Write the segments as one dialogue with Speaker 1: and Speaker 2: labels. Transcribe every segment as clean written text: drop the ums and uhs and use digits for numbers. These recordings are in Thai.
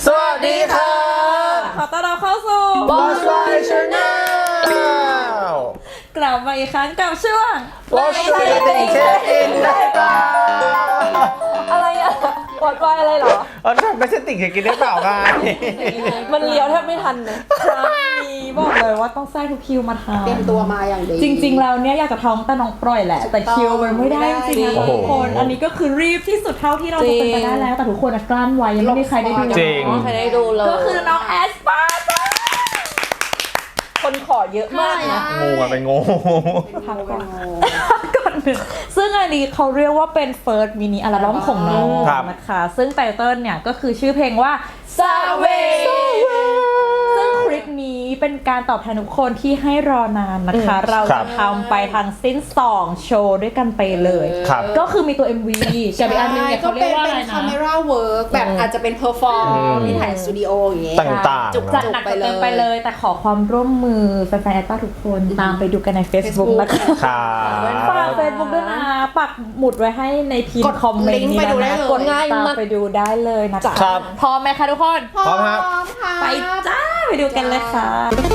Speaker 1: สวัสดีค่ะ
Speaker 2: ขอต้อนรับเข้าสู่
Speaker 1: Boss Boy Channel
Speaker 2: กลับมาอีกครั้งกับช่วง
Speaker 1: Boss Boy ติ่งเช็คอินได้เปล่า
Speaker 3: อะไรอะวอดวายอะไรเหรอ
Speaker 1: ไม่ใช่ติ่งเช็คอินได้เปล่าไง
Speaker 3: มันเลี้ยวแทบไม่ทันเลย
Speaker 2: ครั้งนี้บอกเลยว่าต้องแทรกทุกคิวมาทำ
Speaker 4: เตรียมตัวมาอย่างดี
Speaker 2: จริงๆแล้วเนี่ยอยากจะท้องแต่น้องปล่อยแหละแต่คิวมันไม่ได้จริงๆนะ
Speaker 1: โอ้โห
Speaker 2: ทุกคนอันนี้ก็คือรีบที่สุดเท่าที่เราจะเป็นไปได้แล้วแต่ทุกคนกลั้นไว้ยังไม่มีใครได้ดู
Speaker 1: จริง
Speaker 3: ใครได้ดูเลย
Speaker 2: ก็คือน้องแอสปาจ้า
Speaker 3: คนขอเยอะมากนะ
Speaker 1: งูมันเป็นงู
Speaker 2: พักก่อนก่อนหนึ่งซึ่งอันนี้เขาเรียกว่าเป็น first mini อัลบั้มของน้องนะคะซึ่งไตเติ้ลเนี่ยก็คือชื่อเพลงว่า Savage ซึ่งคลิปนี้เป็นการตอบแทนทุกคนที่ให้รอนานนะคะ เราจะทำไปทั้งสิ้น2โชว์ด้วยกันไปเลย
Speaker 1: ครับ
Speaker 2: ก็คือมีตัว MV กับอีกอันนึงเนี่ย
Speaker 4: ก็
Speaker 2: เขาเรีย
Speaker 4: เป็
Speaker 2: ก
Speaker 4: น
Speaker 2: ว่าอะไร
Speaker 4: คา
Speaker 2: นะ
Speaker 4: เมราเวิร์กแบบอาจจะเป็นเพอร์ฟอร์มที่ถ่ายสตูดิโออย่างเงี้ย
Speaker 1: ต่างๆ
Speaker 2: จัด
Speaker 1: นะ
Speaker 2: หนักจัดเต็มไปเลย แต่ขอความร่วมมือแฟนๆแอตตาทุกคนตามไปดูกันใน Facebook นะคะ
Speaker 1: ครับ
Speaker 2: ฝาก Facebook ด้วยนะปักหมุดไว้ให้ในพิม
Speaker 4: กด
Speaker 2: พ์คอมเมนต์นี้
Speaker 4: ลิงก์ไปดูได้
Speaker 2: นะ
Speaker 4: เลย
Speaker 2: กดง่ายมากไปดูได้เลยนะจ๊ะ
Speaker 1: ครับ
Speaker 2: พร้อมไหมคะทุกคน
Speaker 1: พร้อมครับ
Speaker 4: ค่ะ
Speaker 2: ไปจ้าไปดูกันเลยค่ะ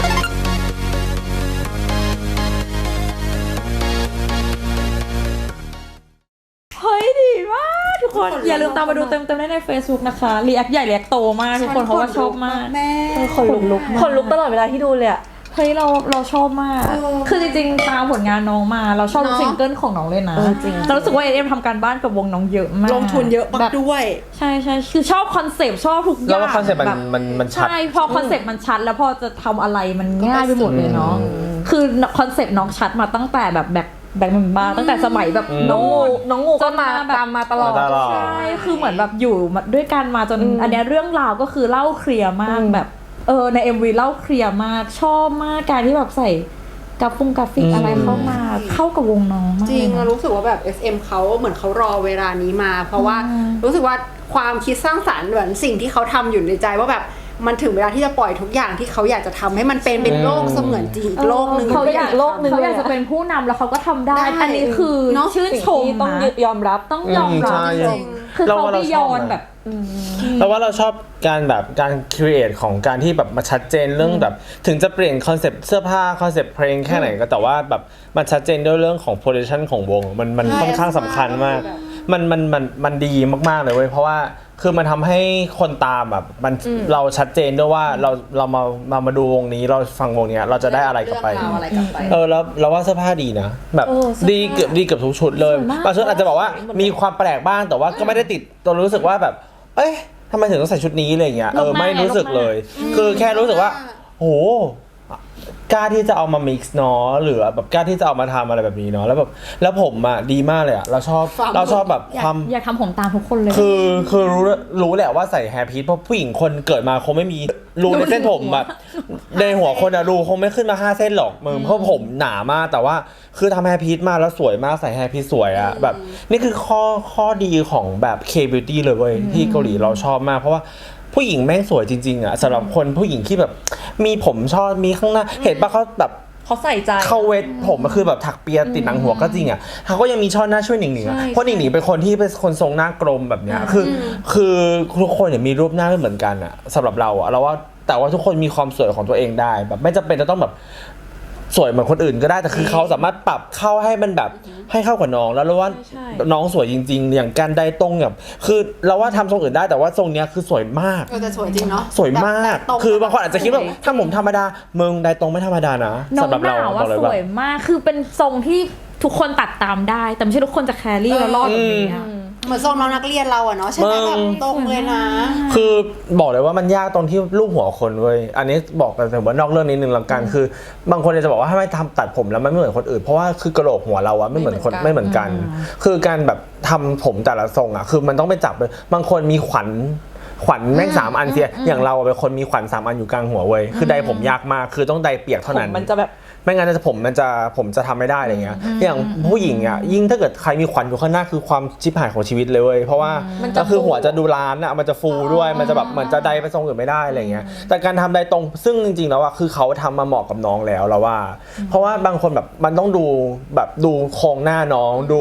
Speaker 2: เฮ้ยดีมากทุกคน อย่าลืมตามมาดูเต็มๆได้ใน Facebook นะคะรีแอคใหญ่รีแอคโตมากทุกคนเพราะว่าชอบมาก
Speaker 4: แม่
Speaker 2: คนลุกมาก
Speaker 3: คนลุกตลอดเวลาที่ดูเลยอะ
Speaker 2: เฮ้ยเราชอบมาก คือจริงๆตามผลงานน้องมาเราชอบทุก
Speaker 4: เนอะ
Speaker 2: ซิงเกิลของน้องเลยนะเรารู้สึกว่าเอ็มทำการบ้านกับวงน้องเยอะมาก
Speaker 4: ลงทุนเยอะ
Speaker 2: แบ
Speaker 4: มาก
Speaker 2: บ
Speaker 4: ด้วย
Speaker 2: ใช่คือชอบคอนเซปต์ชอบทุกอย่าง
Speaker 1: แล้วว่าคอนเซ็ปต์
Speaker 2: แบบ
Speaker 1: มันชัด
Speaker 2: ใช่พอคอนเซปต์มันชัดแล้วพอจะทำอะไรมันง่ายไปหมดเลยเนาะคือคอนเซปต์น้องชัดมาตั้งแต่แบบแบงค์มันบ้าตั้งแต่สมัยแบบ
Speaker 3: น้องงูก็มา
Speaker 2: จนมาแบบ
Speaker 3: ตามมาตลอด
Speaker 1: มาตลอด
Speaker 2: ใช่คือเหมือนแบบอยู่มาด้วยกันมาจนอันเนี้ยเรื่องราวก็คือเล่าเคลียร์มากแบบใน MV เล่าเคลียร์มากชอบมากการที่แบบใส่กราฟิกอะไรเข้ามาเข้ากับวงน้องมาก
Speaker 4: จริง
Speaker 2: เลย
Speaker 4: เรา
Speaker 2: นะ
Speaker 4: รู้สึกว่าแบบ SM เขาเหมือนเขารอเวลานี้มา เพราะว่ารู้สึกว่าความคิดสร้างสรรค์เหมือนสิ่งที่เขาทำอยู่ในใจว่าแบบมันถึงเวลาที่จะปล่อยทุกอย่างที่เขาอยากจะทำให้มันเป็นโลกเสมือนจริงอีกโลกหนึ่ง
Speaker 2: เขาอยาก
Speaker 3: โลกหนึ่ง
Speaker 2: เขาอยากจะเป็นผู้นำแล้วเขาก็ทำได้
Speaker 4: ได้
Speaker 2: อันนี้คือ
Speaker 4: เนอะ
Speaker 2: ชื่นชม
Speaker 3: ที่ต้อง
Speaker 2: นะ
Speaker 3: ยอมรับ
Speaker 2: ต้องยอมรับ
Speaker 1: ใช่
Speaker 2: จริงๆคือเขาไม่ยอนแบบ
Speaker 1: แล้วว่าเราชอบการแบบการครีเอทของการที่แบบมาชัดเจนเรื่องแบบถึงจะเปลี่ยนคอนเซปต์เสื้อผ้าคอนเซปต์เพลงแค่ไหนก็แต่ว่าแบบมันชัดเจนด้วยเรื่องของโปรดักชันของวงมันค่อนข้างสำคัญมากมันดีมากๆเลยเว้ยเพราะว่าคือมันทำให้คนตามแบบมันเราชัดเจนด้วยว่าเรามาดูวงนี้เราฟังวงเนี้ยเราจะได้อะไรกลับไป
Speaker 4: เรื่องราวอะไรกลับไป
Speaker 1: แล้วเราว่าเสื้อผ้าดีนะแบบดีเกือบทุกชุดเลย
Speaker 2: สวยมาก
Speaker 1: บางชุดอาจจะบอกว่ามีความแปลกบ้างแต่ว่าก็ไม่ได้ติดตัวรู้สึกว่าแบบเอ้ยทำไมถึงต้องใส่ชุดนี้อะไรเงี้ยไม่รู้สึกเลย คือแค่รู้สึกว่าโหกล้าที่จะเอามา mix เนาะหรือแบบกล้าที่จะเอามาทำอะไรแบบนี้เนาะแล้วผมอ่ะดีมากเลยอ่ะเราชอบแบบความ
Speaker 2: อยากทำผมตามทุกคนเลย
Speaker 1: คือรู้แหละว่าใส่แฮร์พีทเพราะผู้หญิงคนเกิดมาคงไม่มีรูในเส้นผมแบบในหัวคนอะรูคงไม่ขึ้นมา5 เส้นหรอกมึงเพราะผมหนามากแต่ว่าคือทำแฮร์พีทมาแล้วสวยมากใส่แฮร์พีทสวยอะแบบนี่คือข้อดีของแบบ K-beauty เลยเว้ยที่เกาหลีเราชอบมากเพราะว่าผู้หญิงแม่งสวยจริงๆอะสำหรับคนผู้หญิงที่แบบมีผมชอบมีข้างหน้าเห็นปะเขาแบบ
Speaker 3: เขาใส่ใจ
Speaker 1: เขาเวทผมมันคือแบบถักเปียติดหนังหัวก็จริงอ่ะเขาก็ยังมีช่อหน้าช่วยหนิงหนิง
Speaker 3: ใช่
Speaker 1: เพราะหนิงหนิงเป็นคนที่เป็นคนทรงหน้ากลมแบบเนี้ยคือทุกคนเนี่ยมีรูปหน้าไม่เหมือนกันอ่ะสำหรับเราอ่ะเราว่าแต่ว่าทุกคนมีความสวยของตัวเองได้แบบไม่จำเป็นจะต้องแบบสวยเหมือนคนอื่นก็ได้แต่คือเขาสามารถปรับเข้าให้มันแบบให้เข้ากับน้องแล้วเราว่าน้องสวยจริงๆอย่างการไดตรงแบบคือเราว่าทำทรงอื่นได้แต่ว่าทรงเนี้ยคือสวยมาก
Speaker 4: แต่สวยจริงเนาะ
Speaker 1: สวยมาก
Speaker 4: แบบตรง
Speaker 1: คือบางคนอาจจะคิดว่าถ้าผมธรรมดามึงไดตรงไม่ธรรมดานะ
Speaker 2: น้อง
Speaker 1: สำหรับ
Speaker 2: ห
Speaker 1: เรา
Speaker 2: นา
Speaker 1: บ
Speaker 2: ว่า
Speaker 1: อกเลย
Speaker 2: ส
Speaker 1: ว่า
Speaker 2: วยมากคือเป็นทรงที่ทุกคนตัดตามได้ แต่ไม่ใช่ทุกคนจะแครี่แล้วรอดแบบนี้อะ
Speaker 4: เหมือนทรงน้องนักเรียนเราอะเนาะใช่ไหมแบบตรงเลยนะ
Speaker 1: คือบอกเลยว่ามันยากตรงที่รูปหัวคนเว้ยอันนี้บอกกันแต่ว่านอกเรื่องนิดนึงละกันคือบางคนจะบอกว่าถ้าไม่ทำตัดผมแล้วมันไม่เหมือนคนอื่นเพราะว่าคือกระโหลกหัวเราอะไม่เหมือนคนไม่เหมือนกัน คือการแบบทำผมแต่ละทรงอะคือมันต้องไปจับเลยบางคนมีขวัญแม่ง3 อันเสียอย่างเราเป็นคนมีขวัญ3 อันอยู่กลางหัวเว้ยคือใดผมยากมากคือต้องใดเปียกเท่านั้น
Speaker 3: มันจะแบบ
Speaker 1: ไม่งั้นผมจะทำไม่ได้อะไรเงี้ยอย่างผู้หญิงอ่ะยิ่งถ้าเกิดใครมีขวัญอยู่ข้างหน้าคือความชิบหายของชีวิตเลยเว้ยเพราะว่าก็คือหัวจะดูล้านอ่ะมันจะฟูด้วยมันจะแบบเหมือนจะใดไปทรงอื่นไม่ได้อะไรเงี้ยแต่การทำใดตรงซึ่งจริงๆแล้วอ่ะคือเขาทำมาเหมาะกับน้องแล้วเราว่า เพราะว่าบางคนแบบมันต้องดูแบบดูโครงหน้าน้องดู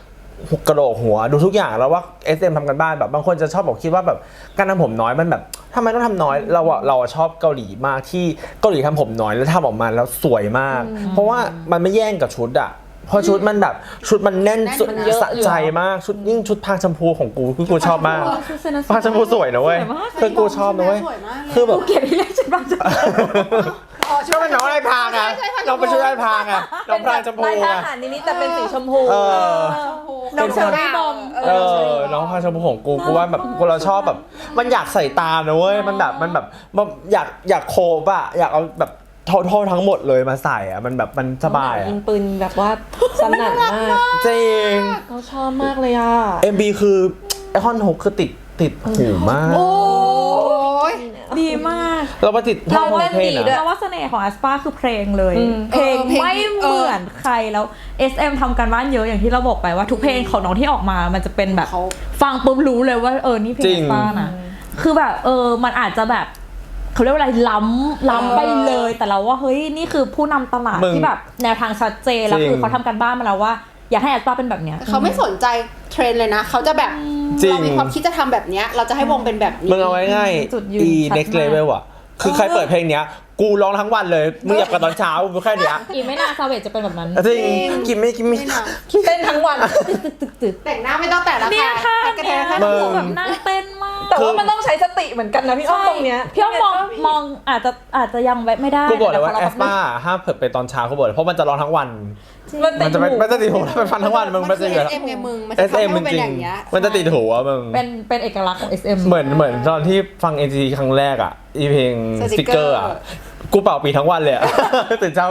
Speaker 1: กระโหลกหัวดูทุกอย่างแล้วว่า SM ทำกันบ้านแบบบางคนจะชอบบอกคิดว่าแบบการทำผมน้อยมันแบบทำไมต้องทำน้อยเราชอบเกาหลีมากที่เกาหลีทำผมน้อยแล้วทำออกมาแล้วสวยมาก เพราะว่ามันไม่แย่งกับชุดอะเพราะชุดมันแบบชุดมันแน่นสุด
Speaker 4: มันเยอะ
Speaker 1: สะใจมากชุดยิ่งชุดพางชมพูของกูคือกูชอบมากพางชมพูสวยนะเว้ยคือกูชอบนะเว้ย
Speaker 4: สวยมากเลย
Speaker 1: คือแบบ
Speaker 2: เกลียดที่เรียกฉันว่าจะ
Speaker 1: ก็เป็นน้องไอ้พางอะน้องเป็นชุดไอ้พางอะน้องพางชมพู
Speaker 3: ลายท
Speaker 1: อะ
Speaker 3: หารนิดๆแต่เป็นสีชมพู
Speaker 4: น้องเชอรี่บอม
Speaker 1: น้องพางชมพูของกูว่าแบบกูเราชอบแบบมันอยากใส่ตามนะเว้ยมันแบบอยากโคบอะอยากเอาแบบโทษทั้งหมดเลยมาใส่อะมันแบบมันสบายอะ
Speaker 3: ยิงปืนแบบว่าสนั่นมาก
Speaker 1: จริง
Speaker 3: เราชอบมากเลยอ่ะ
Speaker 1: MB คือไอคอน6คือติดหูมาก
Speaker 4: โอ้ย
Speaker 2: ดีมาก
Speaker 1: เรามาติดท่องเพลง
Speaker 2: เพ
Speaker 1: อะ
Speaker 2: ราะว่าเสน่ห์ของแอสปาคือเพลงเลย
Speaker 3: อืม
Speaker 2: เพลง
Speaker 4: เพลง
Speaker 2: ไม่เหมือนใครแล้ว SM ทำกันบ้านเยอะอย่างที่เราบอกไปว่าทุกเพลงของน้องที่ออกมามันจะเป็นแบบ
Speaker 4: เขา
Speaker 2: ฟังปุ๊บรู้เลยว่านี่เพลง
Speaker 1: จริ
Speaker 2: แอง สปานะคือแบบมันอาจจะแบบเขาเรียกว่าอะไรล้ำไปเลย แต่เราว่าเฮ้ยนี่คือผู้นำตลาด
Speaker 1: มึง
Speaker 2: ที่แบบแนวทางชัดเจนแล้ว
Speaker 1: จริง
Speaker 2: คือเขาทำกันบ้านมาแล้วว่าอยากให้แอสปาเป็นแบบเนี้ย
Speaker 4: เขาไม่สนใจเทรนด์เลยนะ เขาจะแบบ
Speaker 1: จริง
Speaker 4: เรามีความคิดจะทำแบบเนี้ยเราจะให้วงเป็นแบบนี้
Speaker 1: มึงเอาไว้ง่าย
Speaker 2: จุดยืน
Speaker 1: อี
Speaker 2: ชัด
Speaker 1: next
Speaker 2: มาก
Speaker 1: level อะคือใครเปิดเพลงเนี้ยกูร้องทั้งวันเลยมึงอยากกับตอนเช้ากูแค่เนี้ย
Speaker 2: อีกไม่นานซาเวจจะเป็นแบบนั้น
Speaker 1: จริงกินไม่
Speaker 4: ไม่หนัก
Speaker 3: เต้นทั้งวัน
Speaker 2: ตึก
Speaker 4: แต่งหน้าไม่ต้องแต่งละ
Speaker 2: เนี่ยค่ะ
Speaker 4: กระแท
Speaker 2: เนี่ย
Speaker 4: กแค่
Speaker 1: มึ
Speaker 2: คื
Speaker 1: ง
Speaker 2: อแบบน่าเต้นมาก
Speaker 3: แต่ว่ามันต้องใช้สติเหมือนกันนะพี่อ้อมตรงเนี้ย
Speaker 2: พี่อ้อมมองอาจจะยังแวะไม่ได้
Speaker 1: กูบอกเลยว่า
Speaker 2: แต่
Speaker 1: แอ
Speaker 2: พ
Speaker 1: สปาห้ามเปิดไปตอนเช้ากูบอกเลยเพราะมันจะร้องทั้งวัน
Speaker 3: มันติด
Speaker 1: มันจะ
Speaker 3: หู
Speaker 1: ไม่ติดหูถ้าเป็นฟันทั้งวันมึงมันจะอยู่
Speaker 4: SM ไงมึงมันจะทำ
Speaker 1: SM
Speaker 4: ให้
Speaker 1: จ
Speaker 4: มันเป็น
Speaker 1: ริ
Speaker 4: อง ย่างเงี้ย
Speaker 1: ๆมันจะติดหูอะมึง
Speaker 2: เป็นเอกลักษณ์ของ SM
Speaker 1: เหมือนตอนที่ฟัง NCT ครั้งแรกอ่ะอีเพลงสติกเกอร์อ่ะกูเป่าปีทั้งวันเลยอ่ะ ตื่นเช้า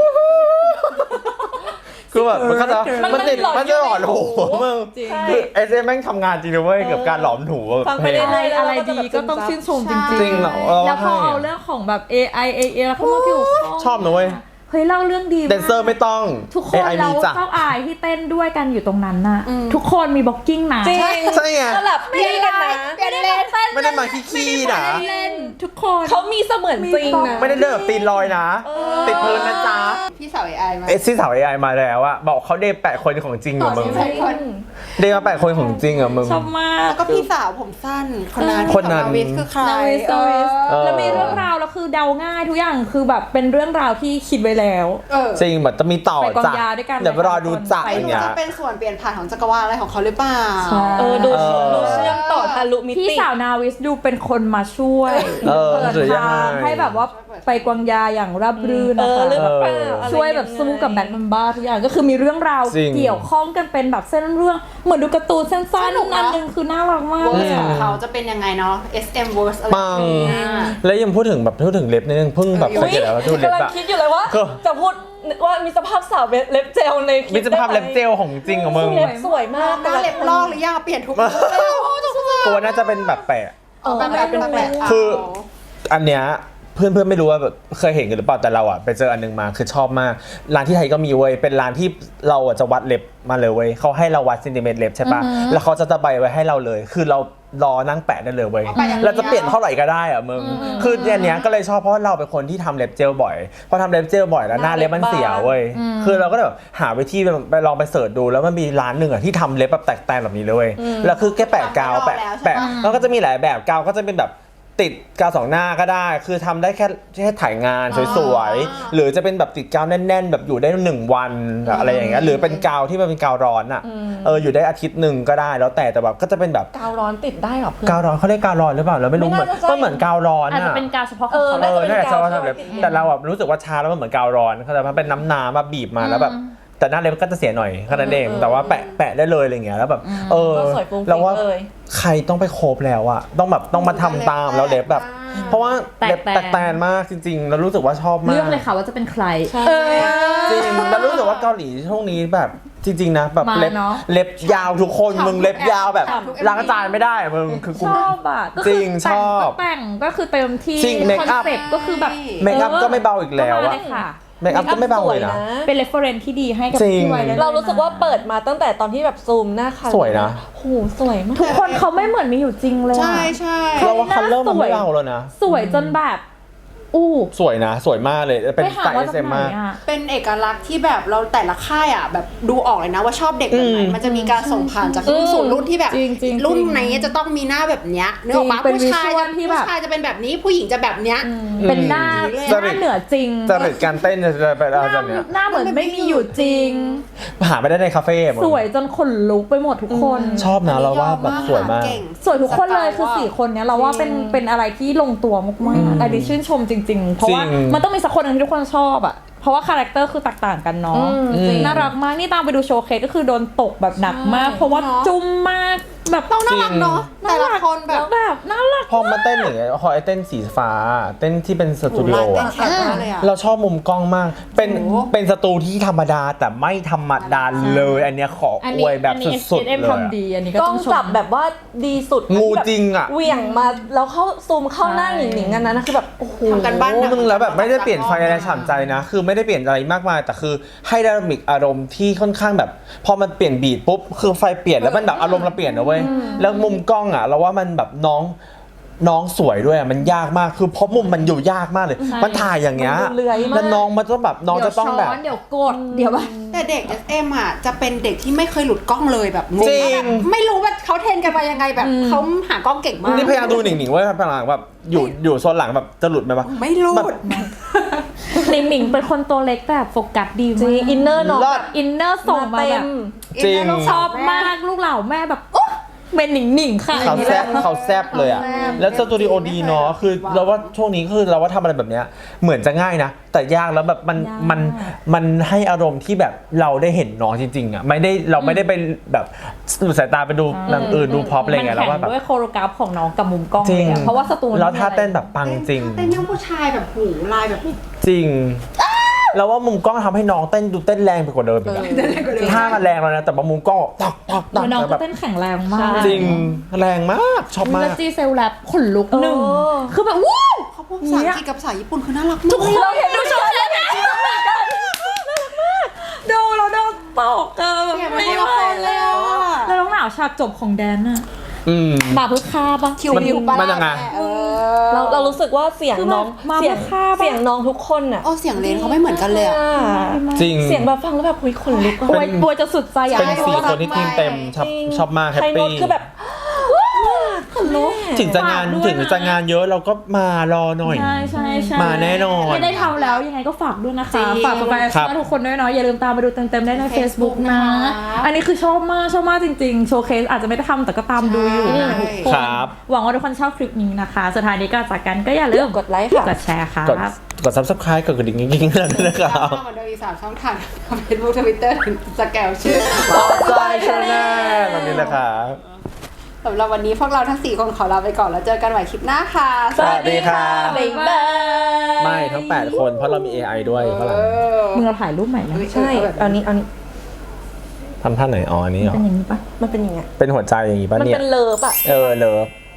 Speaker 1: คือแบบมันก็จะมันติดมันจะหลอนหูมึง
Speaker 2: จริง
Speaker 1: คือ SM แม่งทำงานจริงนะเว้ยกับการหลอมหู
Speaker 3: ฟัง
Speaker 1: เพ
Speaker 3: ไป
Speaker 1: ลง
Speaker 3: เรื่อยๆ
Speaker 2: อะไรดีก็ต้องชื่นชมจริง
Speaker 1: จริงเหรอ
Speaker 2: แล้วพอเอาเรื่องของแบบ AI แล้วเข้ามาเกี่ยวข้อง
Speaker 1: ชอบนะเว้ย
Speaker 2: เฮ้ยเล่าเรื่องดีมาก
Speaker 1: แดนเซอร์ไม่ต้อง
Speaker 2: ทุกคน
Speaker 1: AI
Speaker 2: เรา
Speaker 1: มีจ้ะ
Speaker 2: เจ้าอายที่เต้นด้วยกันอยู่ตรงนั้นน่ะทุกคนมีบล็อกกิ้งนะ
Speaker 3: จริง
Speaker 1: ใช่ไง
Speaker 3: สลับพี่กันนะ
Speaker 2: ไม่ได้แบบเต้น
Speaker 1: ไม่ได้มาขี้ๆนะ
Speaker 2: เล่นทุกคน
Speaker 3: เขามีเสมือนจริงนะ
Speaker 1: ไม่ได้เดินแบบตีนลอยนะ ติดพื้นนะจ๊ะ
Speaker 4: พี่สาว AI มา
Speaker 1: ที่สาว AI มาแล้วอะบอกเขาเดย์8 คนของจริงเหรอมึง
Speaker 4: ใช่คน
Speaker 1: เดย์มา8 คนของจริงเหรอมึง
Speaker 2: ชอบมาก
Speaker 4: แล้วก็พี่สาวผมสั้นคนนั้น
Speaker 1: คนนั้น
Speaker 4: นาวิสคือใคร
Speaker 3: นาวิส
Speaker 2: แล้วมีเรื่องราวแล้วคือเดาง่ายทุกอย่างคือแบบเป็นเรื่องราวที่คิดไว้แล้ว
Speaker 1: จริงแบบจะมีต่อ
Speaker 2: ไปกวาง
Speaker 1: จ้ะ
Speaker 2: ยาด้วยกัน
Speaker 1: เดี๋ยวรอดูจ้ะ
Speaker 2: ไป
Speaker 4: ไม่
Speaker 1: อย่าง
Speaker 4: รู้
Speaker 1: เงี้ย
Speaker 4: จะเป็นส่วนเปลี่ยนผ่านของจักรวาลอะไรของเขาหรือเปล่า
Speaker 2: ใช่
Speaker 3: ดู
Speaker 1: เออ
Speaker 3: ดูเชื่อมต่อทะลุมิ
Speaker 2: พี่
Speaker 3: ติ
Speaker 2: สาวนาวิสดูเป็นคนมาช่วย
Speaker 1: เออ
Speaker 2: เปิด
Speaker 1: หรือยัง
Speaker 2: ทาง
Speaker 1: ไง
Speaker 2: ให้แบบว่าไปกวางยาอย่างราบรื่น
Speaker 3: เอ
Speaker 2: นะ
Speaker 3: อ
Speaker 2: คะ
Speaker 3: เรื่องเปล่าอะไร
Speaker 2: ช่วยแบบสู้กับแบทแมนบ้าทุกอย่างก็คือมีเรื่องราว
Speaker 1: จริง
Speaker 2: เกี่ยวข้องกันเป็นแบบเส้นเรื่องเหมือนดูการ์ตูนสั้น
Speaker 4: สนุก
Speaker 2: ๆ
Speaker 4: นะ
Speaker 2: อันหนึงคือน่ารักมาก
Speaker 4: เวอ
Speaker 2: เล
Speaker 4: ร์
Speaker 2: ย
Speaker 4: ข
Speaker 2: อะ
Speaker 4: องเขาจะเป็นยังไงเนาะ SM verse อะไร
Speaker 1: ปัง
Speaker 4: อย่างเงี้ย
Speaker 1: แล้วยังพูดถึงเล็บนิดนึงเพิ่งแบบสังเกตแล้วว่าดูเล็บ
Speaker 3: กำลัง
Speaker 1: อะ
Speaker 3: คิดอยู่เลยว่า
Speaker 1: ก็
Speaker 3: จะพูดว่ามีสภาพสาวเล็บเจลในคลิป
Speaker 1: มีสภาพเล็บเจลของจริงของมึง
Speaker 3: เล็บสวยมาก
Speaker 4: หน้าเล็บลอกหรือยังเปลี่ยนทุกลุคเลยโอ้ทุกคน
Speaker 1: ตัวน่าจะเป็นแบบแปะ
Speaker 4: แบบแบบ
Speaker 1: คือ อันเนี้ยเพื่อนไม่รู้ว่าแบบเคยเห็นกันหรือเปล่าแต่เราอะไปเจออันนึงมาคือชอบมากร้านที่ไทยก็มีเว้ยเป็นร้านที่เราอะจะวัดเล็บมาเลยเว้ยเขาให้เราวัดเซนติเมตรเล็บใช่ปะแล้วเขาจะตะไบไว้ให้เราเลย คือเรารอนั่งแปะได้เลยเว้ยเราจะเปลี่ยนเท่าไหร่ก็ได้อะมึงคืออันเนี้ยก็เลยชอบเพราะว่าเราเป็นคนที่ทำเล็บเจลบ่อยพอทำเล็บเจลบ่อยแล้วหน้าเล็บมันเสียเว้ยคือเราก็แบบหาวิธีไปลองไปเสิร์ชดูแล้วมันมีร้านหนึ่งอะที่ทำเล็บแบบแตกต่างแบบนี้เลยเว้ยแล้วคือแค่แปะกาวแปะแล้วก็จะมีหลายแบบกาวก็จะเป็นแบบติดกาวสองหน้าก็ได้คือทำได้แค่ถ่ายงานสวยๆหรือจะเป็นแบบติดกาวแน่นๆ แบบอยู่ได้1 วันอะไรอย่างเงี้ยหรือเป็นกาวที่มันเป็นกาวร้อนอ่ะอยู่ได้อาทิตย์หนึ่งก็ได้แล้วแต่แบบก็จะเป็นแบบ
Speaker 3: กาวร้อนติดได้หรอเพื่อน
Speaker 1: กาวร้อนเขาเรียกกาวร้อนหรือเปล่าเราไม่รู้
Speaker 3: ไม่
Speaker 1: เหมือน
Speaker 3: น่าจะใช่
Speaker 1: ก็เหมือนกาวร้อน
Speaker 2: อาจจะ
Speaker 1: อ่ะ
Speaker 2: เป็นการเฉพาะของเขา
Speaker 3: น่าจะ
Speaker 1: นั่นแหละ
Speaker 3: เป็นกาว
Speaker 1: ชอบทำเล็บ
Speaker 3: ติด
Speaker 1: แต่เราแบบรู้สึกว่าชาแล้วมันเหมือนกาวร้อนเขาแต่มันเป็นน้ำมาบีบมาแล้วแบบแต่หน้าเล็บก็จะเสียหน่อยแค่นั้นเองแต่ว่าแปะได้เลยอะไรเงี้ยแล้วแบบ
Speaker 3: ก็สวยฟุ้งฟิ้ง
Speaker 1: เราว่า
Speaker 3: เลย
Speaker 1: ใครต้องไปโคบแล้วอะต้องมาทำตามแล้วเล็บแบบ เพราะว่าเล็บแตกแตนมากจริงๆแล้วรู้สึกว่าชอบมาก
Speaker 2: เลือกเลยค่ะว่าจะเป็นใคร
Speaker 1: จริงแล้วรู้สึกว่าเกาหลีช่วงนี้แบบจริงๆนะแบบ
Speaker 2: มา
Speaker 1: เล็บ
Speaker 2: เนอะ
Speaker 1: เล็บยาวทุกคนมึงเล็บยาวแบบล้างจานไม่ได้มึงคือกู
Speaker 2: ชอบอ่ะก็
Speaker 1: จ
Speaker 2: คื
Speaker 1: ริง
Speaker 2: แต่
Speaker 1: ชอบ
Speaker 2: ก็แต่งก็คือเต็มที่
Speaker 1: จริงเมค
Speaker 2: คอน
Speaker 1: อัพ
Speaker 2: เซ็ปต์ก็คือแบบ
Speaker 1: เมคอัพก็ไม่เบาอีกแล้ว
Speaker 2: ก็มา
Speaker 1: อะ
Speaker 2: เลยค่ะ
Speaker 1: เมคอัพก็ไม่เบาเลยนะ
Speaker 2: เป็น reference ที่ดีให้กับ
Speaker 1: จริง
Speaker 2: พี่ไวได้ลย
Speaker 3: เรารู้สึกว่าเปิดมาตั้งแต่ตอนที่แบบซูมหน้าคัน
Speaker 1: สวยนะ
Speaker 3: โหสวยมาก
Speaker 2: ทุกคนเขาไม่เหมือนมีอยู่จริงเลยอะ
Speaker 4: ใช่ใช่
Speaker 1: เราว่าคัลเลอร์มันไม่เบาแล้วนะ
Speaker 2: สวยจนแบบอู้
Speaker 1: สวยนะสวยมากเลยเป็น
Speaker 2: ไปหา
Speaker 1: สาย
Speaker 2: ว่าจาก
Speaker 1: SM
Speaker 2: ไหน
Speaker 1: มาก
Speaker 2: อ่ะ
Speaker 4: เป็นเอกลักษณ์ที่แบบเราแต่ละค่ายอ่ะแบบดูออกเลยนะว่าชอบเด็กแบบไหน
Speaker 1: อืม
Speaker 4: มันจะมีการส่งผ่านจากรุ่นสู่รุ่นที่แบบ
Speaker 2: จริงๆ
Speaker 4: รุ่นไหนจะต้องมีหน้าแบบเนี้ยนึกออกปะ
Speaker 2: เป็น
Speaker 4: ผู้ชาย
Speaker 2: visual
Speaker 4: จะ
Speaker 2: ที่แบบ
Speaker 4: ผู้ชายจะเป็นแบบนี้ผู้หญิงจะแบบเนี้ย
Speaker 2: เป็นหน้า
Speaker 1: จ
Speaker 2: ห
Speaker 1: ริ
Speaker 2: น้า
Speaker 1: ต
Speaker 2: เหนือจริง
Speaker 1: จริตการเต้นจะไปอะไรแบบเนี้ย
Speaker 2: หน้าเหมือนไม่มีอยู่จริง
Speaker 1: หาไม่ได้ในคาเฟ่หมด
Speaker 2: สวยจนขนลุกไปหมดทุกคน
Speaker 1: ชอบนะเราว่าแบบสวยมาก
Speaker 4: เก่ง
Speaker 2: สวยทุกคนเลยคือ4คนเนี้ยเราว่าเป็นอะไรที่ลงตัวมากๆอันนี้ชื่นชมจริงๆ เพราะว่า
Speaker 1: จริง
Speaker 2: มันต้องมีสักคนหนึงที่ทุกคนชอบอ่ะเพราะว่าคาแรคเตอร์คือแตกต่างกันเนาะ
Speaker 1: จริง
Speaker 2: น่ารักมากนี่ตามไปดูโชว์เคสก็คือโดนตกแบบหนักมาก เพราะว่า
Speaker 4: เนอะ
Speaker 2: จุ้มมากแบบ
Speaker 4: ต้องน่ารักเนาะแต่ละคนแบบ
Speaker 2: แบบน่ารัก
Speaker 1: พอมาเต้นอย่างเงี้ยพอไอ้เต้นสีฟ้า เต้นที่เป็นสตูดิโอ
Speaker 4: เต้น
Speaker 1: อะ
Speaker 4: แข็งมากเลยอ่ะ
Speaker 1: เราชอบมุมกล้องมาก เป็น
Speaker 4: โอ้โห
Speaker 1: เป็นสตูที่ธรรมดาแต่ไม่ธรรมดาเลย อันเนี้ยขออวยแบบสุดๆ
Speaker 2: เอ็ม
Speaker 1: เลยอะ
Speaker 2: ทำดีอันนี้ก็
Speaker 3: กล้
Speaker 2: ต้
Speaker 3: อ
Speaker 2: อง งชม
Speaker 3: จับแบบว่าดีสุด
Speaker 1: งูจริงอะ
Speaker 3: เหวี่ยงมาแล้วเข้าซูมเข้าหน้าหนิงๆกันนะคือแบบโอ้โห
Speaker 4: ทำกันบ้านหนัก
Speaker 1: นึงแล้วแบบไม่ได้เปลี่ยนไฟอะไรฉ่ำใจนะ คือไม่ได้เปลี่ยนอะไรมากมายแต่คือให้ไดนามิกอารมณ์ที่ค่อนข้างแบบ พอมันเปลี่ยนบีทปุ๊บคือไฟเปลี่ยนแล้วมันแบบอารมณ์เราเปลี่ยนนะเว้ยแล้วมุมกล้องอะเราว่ามันแบบน้องสวยด้วยอะมันยากมากคือเพราะมุมมันอยู่ยากมากเลย มันถ่ายอย่างเงี้ย
Speaker 3: มันดูเลื้อยมาก
Speaker 1: แล้วน้องมันต้องแบบน้องจะต้องแบบ
Speaker 2: เดี๋ยวกดเดี๋ยวแบบ
Speaker 4: แต่เด็ก SM อ่ะจะเป็นเด็กที่ไม่เคยหลุดกล้องเลยแบบงง
Speaker 1: จริ
Speaker 4: มาก
Speaker 1: ง
Speaker 4: แบบไม่รู้ว่าเขาเทรนกันมายังไงแบบเขาหากล้องเก่งมาก
Speaker 1: นี่พยายามดูหนิงๆว่าพลังแบบอยู่โซนหลังแบบจะหลุดไหมปะ
Speaker 4: ไม่หลุ
Speaker 1: แบ
Speaker 4: ด
Speaker 1: บ
Speaker 2: หนิงหนิงเป็นคนตัวเล็กแต่โฟกัสดี
Speaker 3: จริ
Speaker 2: มาง ก
Speaker 3: อินเนอร์น้อง
Speaker 1: รอด
Speaker 2: อินเนอร์ส่งมา
Speaker 3: เต็
Speaker 2: แบบ
Speaker 3: ม
Speaker 1: จริง
Speaker 2: ชอบมากลูกเหล่าแม่แบบโอ๊ะเป็นหนิงหนิงค่ะ
Speaker 1: เขาแซบเขาแซบเลยอ่ะ
Speaker 4: เขาแซ่บ
Speaker 1: แล้วสตูดิโอดีเนาะคือเราว่าช่วงนี้คือเราว่าทำอะไรแบบเนี้ยเหมือนจะง่ายนะ แต่ยากแล้วแบบมันให้อารมณ์ที่แบบเราได้เห็นน้องจริงๆอ่ะเราไม่ได้ไปแบบหลุดสายตาไปดูหนังอื่นดูพร็อพอะไรเงี้ยแล้วว่าแบบ
Speaker 2: ด้วยโคโรกราฟของน้องกับมุมกล้อง
Speaker 1: จริง
Speaker 2: เลยอะเพราะว่าสตู
Speaker 1: แล้วท่าเต้นแบบปังจริง
Speaker 4: เต้นยังผู้ชายแบบหูลายแบบ
Speaker 1: จริงเราว่ามุมกล้องทำให้น้องเต้นดูเต้นแรงไปกว่าเดิมอีกอะท่ามันแรงแล้วนะแต่ว่ามุมกล้องตัก
Speaker 2: เดี๋ยวน้อง
Speaker 1: แบ
Speaker 2: ก็
Speaker 1: บ
Speaker 2: เต้นแข็งแรงมาก
Speaker 1: จริงแรงมากชอบมา
Speaker 2: แล้
Speaker 1: ก
Speaker 2: วจีเซลแลบขนลุกหนึ่ง
Speaker 3: เออ
Speaker 2: คือแบบว้าว
Speaker 4: เขาพูดภาษาอังกฤษกับภาษาญี่ปุ่นคือน่ารักมาก
Speaker 2: ทุกคนเราเห็นดูโชว์เลยนะดูเราโดนตกเออไม่ไหวแล้วอะแล้วน้องหนาวฉากจบของแดนน่ะ
Speaker 1: อืม
Speaker 2: มาเพื่อฆ่าปะ
Speaker 4: คิว
Speaker 1: มันยังไง
Speaker 3: เรารู้สึกว่าเสียงน้อง
Speaker 2: คือมา
Speaker 3: เสียง
Speaker 2: เพื่อฆ่าปะ
Speaker 3: เสียงน้องทุกคนอ่ะ
Speaker 4: โอ้เสียงเลนเขาไม่เหมือนกันเลยอะ
Speaker 1: จริง
Speaker 3: เสียงแบบฟังแล้วแบบคุยขนลุกอะ
Speaker 2: บวยบวยจะสุดใจอะ
Speaker 1: เป็นสี่คนที่ทีมเต็มชอบมากแฮป
Speaker 3: ไทยโน้
Speaker 1: ปี้
Speaker 3: ตคือแบบ
Speaker 2: ขนลุก
Speaker 1: ถึงจะงาน
Speaker 2: ฝกด้วย
Speaker 1: ถึงจะงานเยอะเราก็มารอหน่อย
Speaker 2: ใช่ใช่ใช่
Speaker 1: มาแน่นอน
Speaker 2: ไม่ได้ทำแล้วยังไงก็ฝากด้วยนะคะ
Speaker 4: จริง
Speaker 2: ฝากแฟน
Speaker 1: ครับ
Speaker 2: ๆทุกคนด้วยเนาะอย่าลืมตามไปดูเต็มๆได้ใน Facebook นะ
Speaker 4: นะคะ
Speaker 2: อันนี้คือชอบมากจริงๆ โชว์เคสอาจจะไม่ได้ทำแต่ก็ตามดูอยู่นะ
Speaker 4: ใช่
Speaker 2: ทุกคน
Speaker 1: ครับ
Speaker 2: หวังว่าทุกคนชอบคลิปนี้นะคะสุดท้ายนี้ก็จากกันก็อย่าลืม
Speaker 3: กดไลค์ค่ะ
Speaker 2: กดแชร์ค่ะ
Speaker 1: กด subscribe กดกระดิ่งกิ๊งๆเลยนะครับ
Speaker 4: เหมือนเดิมอีก3ช่องทาง Facebook Twitter สแกลชื่อ
Speaker 1: ออนไลน์ชาแนลตอนนี้นะครับ
Speaker 4: สำหรับวันนี้พวกเราทั้ง 4 คนขอลาไปก่อนแล้วเจอกันใหม่คลิปหน้าค่ะ
Speaker 1: สวัสดีครับ
Speaker 3: บ๊ายบาย
Speaker 1: ไม่ทั้ง 8 คนเพราะเรามี AI ด้วยข้างหลัง
Speaker 2: มึงเราถ่ายรูปใหม่ไหม
Speaker 3: ใช่เอานี้
Speaker 1: ทำท่าไหนอ๋ออันนี้เหรอ
Speaker 2: เป็นอย่างนี้ปะ
Speaker 3: มันเป็นยังไง
Speaker 1: เป็นหัวใจอย่างงี้ป่ะ
Speaker 3: มัน
Speaker 1: เนี่ย
Speaker 3: เป็นเลิฟอ่ะ
Speaker 1: เลิฟ